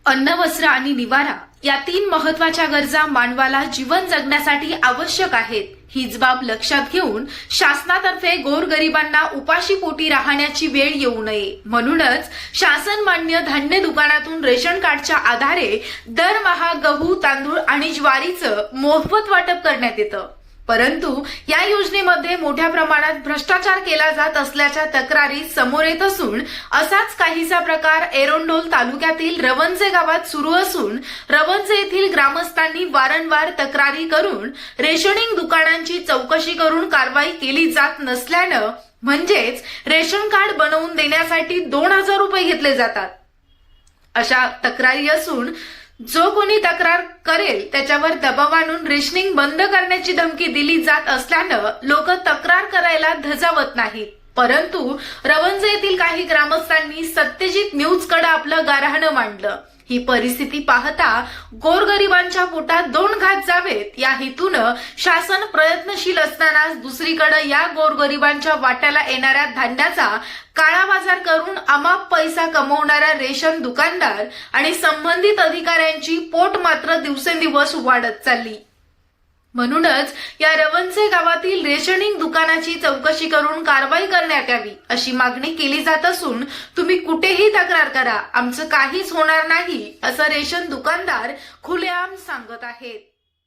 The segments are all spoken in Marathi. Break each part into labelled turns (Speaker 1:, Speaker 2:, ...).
Speaker 1: अन्न, वस्त्र आणि निवारा या 3 महत्वाच्या गरजा मानवाला जीवन जगण्यासाठी आवश्यक आहेत. हीच बाब लक्षात घेऊन शासनातर्फे गोरगरिबांना उपाशीपोटी राहण्याची वेळ येऊ नये म्हणूनच शासन मान्य धान्य दुकानातून रेशन कार्डच्या आधारे दरमहा गहू, तांदूळ आणि ज्वारीचं मोफत वाटप करण्यात येतं. परंतु या योजनेमध्ये मोठ्या प्रमाणात भ्रष्टाचार केला जात असल्याच्या तक्रारी समोर येत असून असाच काहीसा प्रकार एरंडोल तालुक्यातील रवंजे गावात सुरू असून रवंजे येथील ग्रामस्थांनी वारंवार तक्रारी करून रेशनिंग दुकानांची चौकशी करून कारवाई केली जात नसल्यानं म्हणजेच रेशन कार्ड बनवून देण्यासाठी 2000 रुपये घेतले जातात अशा तक्रारी असून जो कोणी तक्रार करेल त्याच्यावर दबाव आणून रेशनिंग बंद करण्याची धमकी दिली जात असल्यानं लोक तक्रार करायला धजावत नाहीत. परंतु रवंजे येथील काही ग्रामस्थांनी सत्यजित न्यूजकडे आपलं गाऱ्हाणं मांडलं. ही परिस्थिती पाहता गोरगरिबांच्या पोटात 2 घास जावेत या हेतूनं शासन प्रयत्नशील असतानाच दुसरीकडे या गोरगरिबांच्या वाट्याला येणाऱ्या धान्याचा काळा बाजार करून अमाप पैसा कमवणाऱ्या रेशन दुकानदार आणि संबंधित अधिकाऱ्यांची पोट मात्र दिवसेंदिवस वाढत चालली. म्हणूनच या रवंजे गावातील रेशनिंग दुकानाची चौकशी करून कारवाई करण्यात यावी अशी मागणी केली जात असून तुम्ही कुठेही तक्रार करा, आमचं काहीच होणार नाही असं रेशन दुकानदार खुलेआम सांगत आहेत.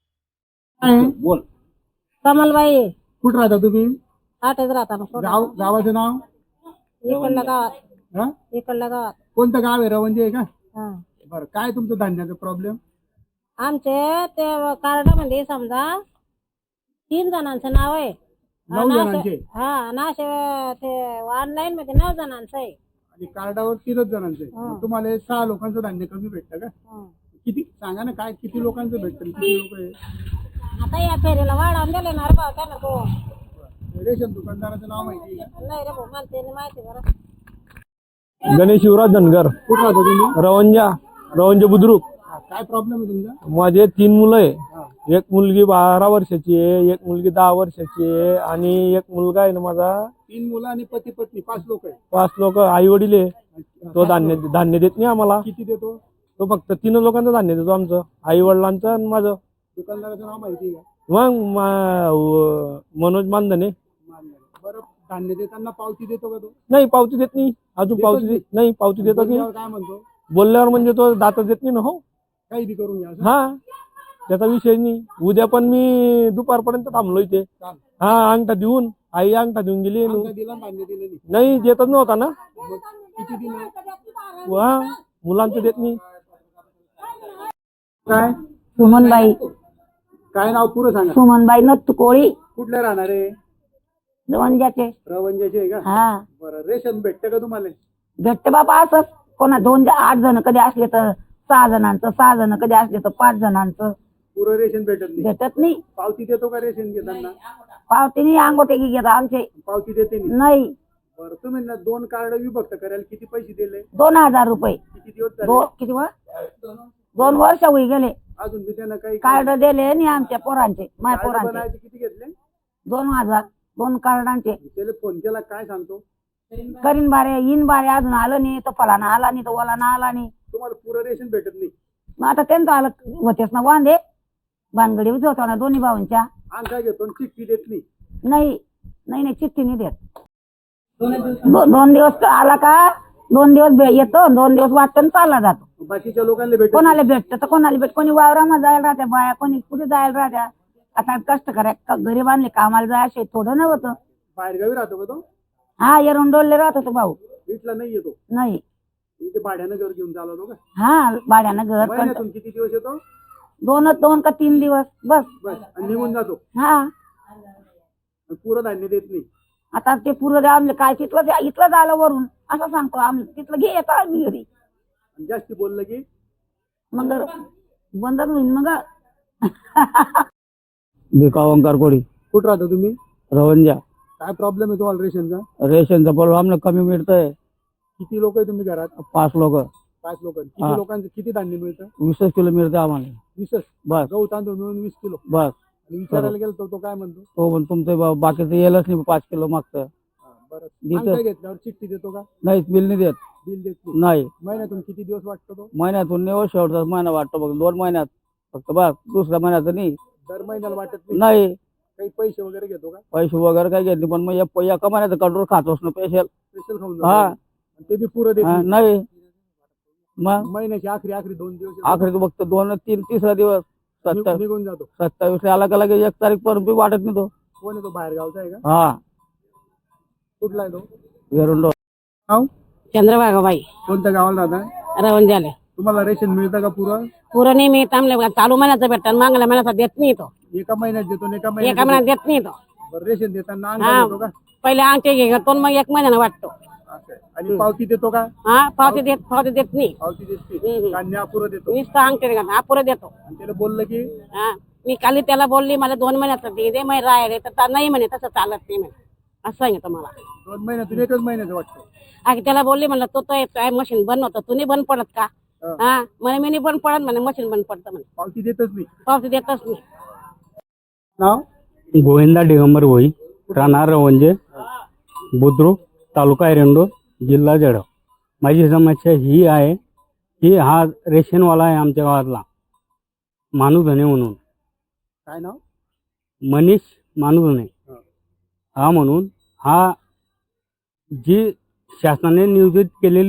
Speaker 2: बोल.
Speaker 3: कमलबाई
Speaker 2: कुठं राहता तुम्ही?
Speaker 3: आठच राहता
Speaker 2: गावाचं नाव?
Speaker 3: इकडल्या गावात.
Speaker 2: हा?
Speaker 3: इकडल्या गावात.
Speaker 2: कोणतं गाव आहे? रवंजे आहे का?
Speaker 3: हा.
Speaker 2: बरं, काय तुमचं धान्याचा प्रॉब्लेम?
Speaker 3: आमचे ते कार्ड मध्ये समजा 3 जणांचं नाव आहे.
Speaker 2: 9 जणांचे?
Speaker 3: हा ना, ते ऑनलाईन मध्ये 9 जणांचं आहे
Speaker 2: आणि कार्डावर 3च जणांचे.
Speaker 3: हा.
Speaker 2: तुम्हाला 6 लोकांचं धान्य कमी भेटतं का?
Speaker 3: हा.
Speaker 2: किती सांगा ना, काय किती लोकांचं भेटतं? किती लोक आहे?
Speaker 3: आता या फेरीला वाढवून दिले ना रे भाऊ त्यानं तो.
Speaker 2: रेशन दुकानदाराचं नाव माहिती आहे का?
Speaker 3: नाही रे भाऊ, मला ते नाही माहिती बरं.
Speaker 4: गणेश युवराज धनगर,
Speaker 2: कुठं राहता तुम्ही?
Speaker 4: रवंजा बुद्रुक.
Speaker 2: हा, काय प्रॉब्लेम आहे तुमचा?
Speaker 4: माझे 3 मुलं आहे.
Speaker 2: हा.
Speaker 4: एक मुलगी 12 वर्षाची आहे, एक मुलगी 10 वर्षाची आहे आणि एक मुलगा आहे ना माझा.
Speaker 2: 3 मुलं आणि पती पत्नी 5 लोक आहे.
Speaker 4: 5 लोक आई वडील आहे. तो धान्य देत नाही आम्हाला.
Speaker 2: किती देतो?
Speaker 4: तो फक्त 3 लोकांचं धान्य देतो, आमचं आई वडिलांचं आणि माझं.
Speaker 2: दुकानदाराचं नाव माहिती आहे का?
Speaker 4: मग मनोज मानधने.
Speaker 2: बरं, धान्य देताना पावती देतो का तो?
Speaker 4: नाही, पावती देत नाही अजून.
Speaker 2: देतच
Speaker 4: पावती देत नाही, पावती देतच नाही.
Speaker 2: बोलल्यावर काय म्हणतो?
Speaker 4: बोलल्यावर म्हणजे तो दातच देत नाही ना. हो,
Speaker 2: काही बी करून घ्या असं?
Speaker 4: हा, त्याचा विषय नाही. उद्या पण मी दुपारपर्यंत थांबलो इथे.
Speaker 2: चाल.
Speaker 4: हा, अंगठा देऊन आई अंगठा देऊन गेली.
Speaker 2: अंगठा दिला, धान्य दिलं नाही.
Speaker 4: नाही, देतच नव्हता ना.
Speaker 2: मग किती दिलं?
Speaker 4: हा, मुलांचं देत नाही.
Speaker 2: काय
Speaker 3: सुमनबाई.
Speaker 2: काय नाव पुरं सांगा?
Speaker 3: सुमनबाई नत्तू कोळी.
Speaker 2: कुठल्या राहणार आहे?
Speaker 3: रवंजाचे.
Speaker 2: रवंजाचे आहे का?
Speaker 3: हा.
Speaker 2: बरं, रेशन भेटतं का तुम्हाला?
Speaker 3: भेटते बाबा असंच. कोणा 8 जण कधी असले तर 6 जणांचं, 6 जण कधी असले तर 5 जणांचं.
Speaker 2: पुरं रेशन भेटत नाही.
Speaker 3: भेटत नाही.
Speaker 2: पावती देतो का रेशन घेताना?
Speaker 3: पावतीने अंगोटे घेतात आमचे.
Speaker 2: पावती देते नाही.
Speaker 3: नाही.
Speaker 2: बरं, तुम्ही ना 2 कार्ड विभक्त करायला किती पैसे दिले?
Speaker 3: 2000 रुपये.
Speaker 2: किती दिवस झाले?
Speaker 3: किती 2 वर्ष होई गेले.
Speaker 2: अजून बी त्यांना काही
Speaker 3: कार्ड दिले आणि आमच्या पोरांचे, माझ्या
Speaker 2: कार्ड
Speaker 3: पोरांचे
Speaker 2: बनायचे किती घेतले?
Speaker 3: 2000. 2 कार्डांचे.
Speaker 2: त्याला फोन केला काय सांगतो?
Speaker 3: करीन बारे इन बारे अजून आलं नाही, तर फलाना आला नाही, तर ओलाना आला नाही.
Speaker 2: तुम्हाला पुरं रेशन भेटत नाही.
Speaker 3: मग आता त्यांचं आलं होतेच ना वांदे. भानगडी होता ना दोन्ही भावांच्या.
Speaker 2: आणि काय घेतो? चिठ्ठी देत नाही.
Speaker 3: नाही नाही नाही, चिठ्ठी नाही देत. 2 दिवस आला का 2 दिवस येतो, 2 दिवस वाटतं चालला जातो.
Speaker 2: बाकीच्या लोकांना भेटत
Speaker 3: कोणाला भेटतं तर कोणाला भेट. कोणी वावरामध्ये जायला राहत्या बाया, कोणी कुठे जायला राहत्या. आता कष्ट करायला गरीब आणले कामाला जायचे थोडं नव्हतं.
Speaker 2: बाहेरगावी राहतो का तो?
Speaker 3: हा, एरंडोलले राहत होतो भाऊ.
Speaker 2: इथला नाही येतो?
Speaker 3: नाही.
Speaker 2: इथे भाड्यानं घर घेऊन चालवतो का?
Speaker 3: हा, भाड्यानं घर.
Speaker 2: महिन्यातून किती दिवस येतो?
Speaker 3: 2 का 3 दिवस बस.
Speaker 2: बस, आणि निघून जातो.
Speaker 3: हा.
Speaker 2: आणि पुरं धान्य देत नाही.
Speaker 3: आता ते पूर्व आमलं काय इथलं आलं वरून असं सांगतो आम्ही. तिथलं घे येतो आम्ही घरी.
Speaker 2: आणि जास्ती बोललं की
Speaker 3: मग बंदच होईल मग.
Speaker 4: भिकावंकार कोडी,
Speaker 2: कुठं राहता तुम्ही?
Speaker 4: रवंजा.
Speaker 2: काय प्रॉब्लेम आहे तुम्हाला रेशनचा?
Speaker 4: रेशनचा प्रॉब्लेम आम्हाला कमी मिळतंय.
Speaker 2: किती लोक आहे तुम्ही घरात?
Speaker 4: 5 लोक.
Speaker 2: 5 लोक.
Speaker 4: हा.
Speaker 2: किती लोकांचं किती धान्य मिळतं?
Speaker 4: 20 किलो मिळतं आम्हाला.
Speaker 2: 20?
Speaker 4: बस
Speaker 2: गहू तांदूळ मिळून 20 किलो.
Speaker 4: बस.
Speaker 2: आणि विचारायला गेलो तो काय म्हणतो?
Speaker 4: तो पण तुमचं बाकीचं येलच नाही 5 किलो मागतं.
Speaker 2: बरं
Speaker 4: देतो.
Speaker 2: अंगठा घेतल्यावर चिठ्ठी देतो का?
Speaker 4: नाही बिल नाही देत.
Speaker 2: बिल देत नाही.
Speaker 4: नाही.
Speaker 2: महिन्यातून किती दिवस वाटतो तो?
Speaker 4: महिन्यातून नाही, शेवटचा महिना वाटतो बघ, 2 महिन्यात फक्त बस, दुसऱ्या महिन्याचं नाही.
Speaker 2: दर महिन्याला वाटत नाही?
Speaker 4: नाही.
Speaker 2: काही पैसे वगैरे घेतो का?
Speaker 4: पैसे वगैरे काही घेत नाही, पण मग एका महिन्याचं कंट्रोल खातोच ना स्पेशल.
Speaker 2: स्पेशल खाऊन
Speaker 4: हा.
Speaker 2: जातो. ते बी पुरं देत नाही.
Speaker 4: नाही. मग
Speaker 2: महिन्याची आखरी 2 दिवस येतो.
Speaker 4: आखरी तू फक्त 2, 3, तिसरा दिवस 27
Speaker 2: निघून जातो.
Speaker 4: 27 आला का लगेच 1 तारीख पर्यंत बी वाटत नाही तो.
Speaker 2: कोण आहे तो? बाहेर गावचा आहे का?
Speaker 4: हा.
Speaker 2: कुठला आहे तो?
Speaker 4: वेरुंडो.
Speaker 2: गाव
Speaker 3: चंद्रभागाबाई
Speaker 2: कोणत्या गावाला राहता?
Speaker 3: रवण झाले
Speaker 2: तुम्हाला रेशन मिळतं का पुरं?
Speaker 3: पुरं नाही मी थांबले चालू महिन्याचं भेटतात मागल्या महिन्याचा देत नाही तो
Speaker 2: एका महिन्यात देतो आणि एका
Speaker 3: एका
Speaker 2: महिन्यात
Speaker 3: महिन्यात देत नाही तो
Speaker 2: बरं, रेशन देताना
Speaker 3: हा.
Speaker 2: अंगठा देतो का?
Speaker 3: पहिले अंगठे घेतो मग 1 महिन्यानं वाटतो.
Speaker 2: असं आहे. आणि पावती देतो का?
Speaker 3: हा पावती देत नाही.
Speaker 2: पावती देते.
Speaker 3: हम्म.
Speaker 2: धान्य अपुरं देतो.
Speaker 3: नुसतं अंगठे घालतो अपुरं देतो.
Speaker 2: आणि त्याला बोललं की
Speaker 3: हा मी काली त्याला बोलली मला 2 महिन्याचं दे मग राहिले तर नाही म्हणे तसं चालत नाही म्हणे असं सांगितलं मला.
Speaker 2: 2 महिन्यातून एकच महिन्याचं वाटतं.
Speaker 3: आधी त्याला बोलली म्हणलं तो काय मशीन बंद होतं तू नाही बंद पडत का?
Speaker 2: हा.
Speaker 3: हा म्हणे मी नाही बंद पडत म्हणे मशीन बंद पडतं म्हणे
Speaker 2: पावती देतच नाही.
Speaker 3: पावती देतच नाही.
Speaker 2: नाव?
Speaker 4: गोविंदा दिगंबर भोई, राहणार रवंजे, बुद्रुक, तालुका एरंडो, जिल्हा जळगाव. माझी समस्या ही आहे की हा रेशनवाला आहे आमच्या गावातला, मानुधने म्हणून,
Speaker 2: काय नाव?
Speaker 4: मनीष मानुधने.
Speaker 2: हा.
Speaker 4: हा म्हणून हा जी शासनाने नियोजित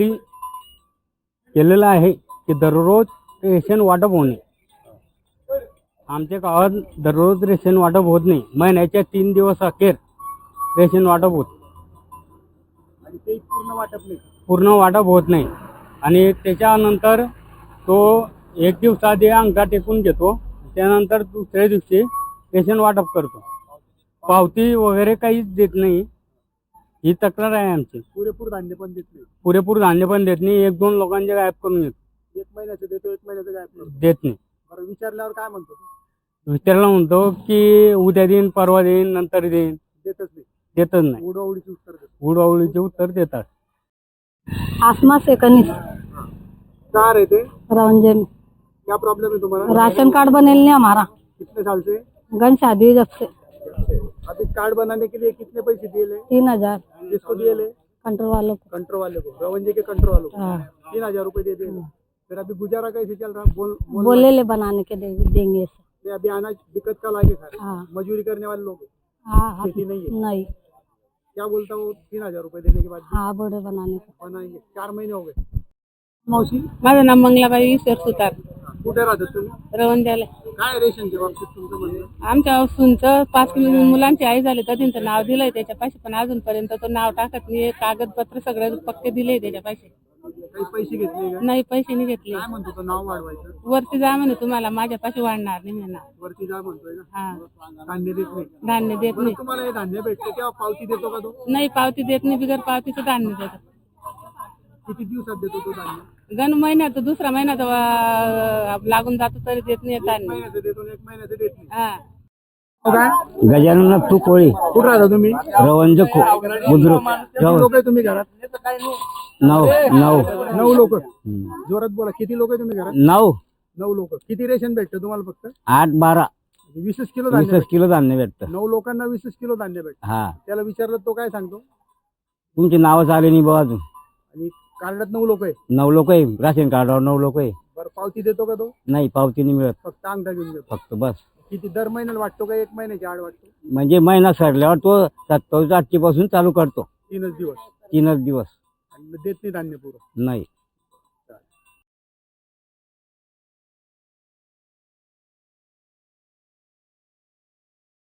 Speaker 4: केलेलं आहे की दररोज रेशन वाटप होणे. आमच्या गावात दररोज रेशन वाटप होत नाही. महिन्याच्या 3 दिवस अखेर रेशन वाटप होत,
Speaker 2: आणि ते पूर्ण वाटप नाही.
Speaker 4: पूर्ण वाटप होत नाही. आणि त्याच्यानंतर तो 1 दिवस आधी अंगठा टेकून घेतो, त्यानंतर दुसऱ्या दिवशी रेशन वाटप करतो. पावती वगैरे काहीच देत नाही. ही तक्रार आहे आमची.
Speaker 2: पुरेपूर धान्य पण देत नाही.
Speaker 4: पुरेपूर धान्य पण देत नाही. 1-2 लोकांचे गायब करून येतो,
Speaker 2: 1 महिन्याचं देतो, 1 महिन्याचं काय करतो?
Speaker 4: देत नाही.
Speaker 2: बरं, विचारल्यावर काय म्हणतो?
Speaker 4: विचारला म्हणतो की उद्या देईन, परवा देईन, नंतर देईन.
Speaker 2: देतच नाही.
Speaker 4: देतच नाही.
Speaker 2: उडवडीची उत्तर देतो.
Speaker 4: उडवाउडीचे उत्तर देतात.
Speaker 3: आसमा सेकंड
Speaker 2: कार है थे?
Speaker 3: रंजन
Speaker 2: क्या प्रॉब्लम है तुम्हारा?
Speaker 3: राशन कार्ड बनेल नहीं हमारा
Speaker 2: कितने साल से?
Speaker 3: गन शादी जब से
Speaker 2: अभी कार्ड बनाने के लिए कितने पैसे दिए ले?
Speaker 3: 3000
Speaker 2: किसको दिए ले?
Speaker 3: कंट्रोल वालों को।
Speaker 2: कंट्रो वाले को, रवंजे के कंट्रो वालों को।
Speaker 3: हाँ।
Speaker 2: 3000 रुपए दे दिए। फिर अभी गुजारा कैसे चल रहा?
Speaker 3: बोले ले बनाने के देंगे
Speaker 2: ये अभी अनाज दिक्कत का लागे खा रहे।
Speaker 3: हाँ।
Speaker 2: मजदूरी करने वाले लोग हैं।
Speaker 3: हाँ
Speaker 2: खेती नहीं है।
Speaker 3: नहीं
Speaker 2: क्या बोलता वो 3000 रुपए देने के बाद भी
Speaker 3: हाँ बोले बनाने को।
Speaker 2: बनाएंगे? 4 महीने हो गए। मौसी
Speaker 3: माझं नाव मंगलाबाई ईश्वर सुतार
Speaker 2: कुठे राहतात तुम्ही?
Speaker 3: रवंद्याला.
Speaker 2: काय रेशनच्या बाबतीत तुमचं म्हणणं?
Speaker 3: आमच्या सूनचं 5 किलो मुलांची आई झाली तर त्यांचं नाव दिलंय त्याच्यापाशी पण अजूनपर्यंत तो नाव टाकत नाही. कागदपत्र सगळं पक्के दिले त्याच्यापाशी.
Speaker 2: काही पैसे घेतले का?
Speaker 3: नाही पैसे नाही घेतले.
Speaker 2: काय म्हणतो तो? नाव वाढवायचं
Speaker 3: वरती जा म्हणे तुम्हाला माझ्यापाशी वाढणार नाही म्हणे नाव.
Speaker 2: वरती जा म्हणतोय ना.
Speaker 3: हा
Speaker 2: धान्य देत नाही.
Speaker 3: धान्य देत
Speaker 2: बरं,
Speaker 3: नाही.
Speaker 2: तुम्हाला हे धान्य भेटते तेव्हा पावती देतो का तो?
Speaker 3: नाही पावती देत नाही. बिगर पावतीचं धान्य देतात.
Speaker 2: किती दिवसात देतो तो धान्य?
Speaker 3: गण महिन्यात दुसरा महिन्यात लागून जातो तरी देत नाही धान्य.
Speaker 2: महिन्याचं देतो आणि 1 महिन्याचं देत नाही.
Speaker 3: हा
Speaker 2: हो काय?
Speaker 4: गजानन तू कोळी,
Speaker 2: कुठं राहता तुम्ही?
Speaker 4: रवंज बुद्रुक.
Speaker 2: किती लोक आहे तुम्ही घरात? 9 लोक. जोरात बोला. किती लोक आहे तुम्ही घरात? 9 लोक. किती रेशन भेटतं तुम्हाला? फक्त
Speaker 4: 8-12
Speaker 2: 20 किलो धान्य
Speaker 4: 20 किलो धान्य भेटतं.
Speaker 2: 9 लोकांना 20 किलो धान्य भेटतं.
Speaker 4: हा.
Speaker 2: त्याला विचारलं तो काय सांगतो?
Speaker 4: तुमची नावच आले नाही बघा अजून.
Speaker 2: आणि कार्डात 9 लोक आहे.
Speaker 4: 9 लोक आहे राशन कार्डावर, 9 लोक आहे.
Speaker 2: बरं, पावती देतो का तो?
Speaker 4: नाही पावती नाही मिळत,
Speaker 2: फक्त अंगठा घेऊन देतो.
Speaker 4: फक्त बस.
Speaker 2: किती दर महिन्याला वाटतो का 1 महिन्याची आड वाटतो?
Speaker 4: म्हणजे महिना सरल्यावर तो 27 पासून चालू करतो.
Speaker 2: 3च दिवस.
Speaker 4: 3च दिवस
Speaker 2: आणि देत नाही धान्य पुरं.
Speaker 4: नाही.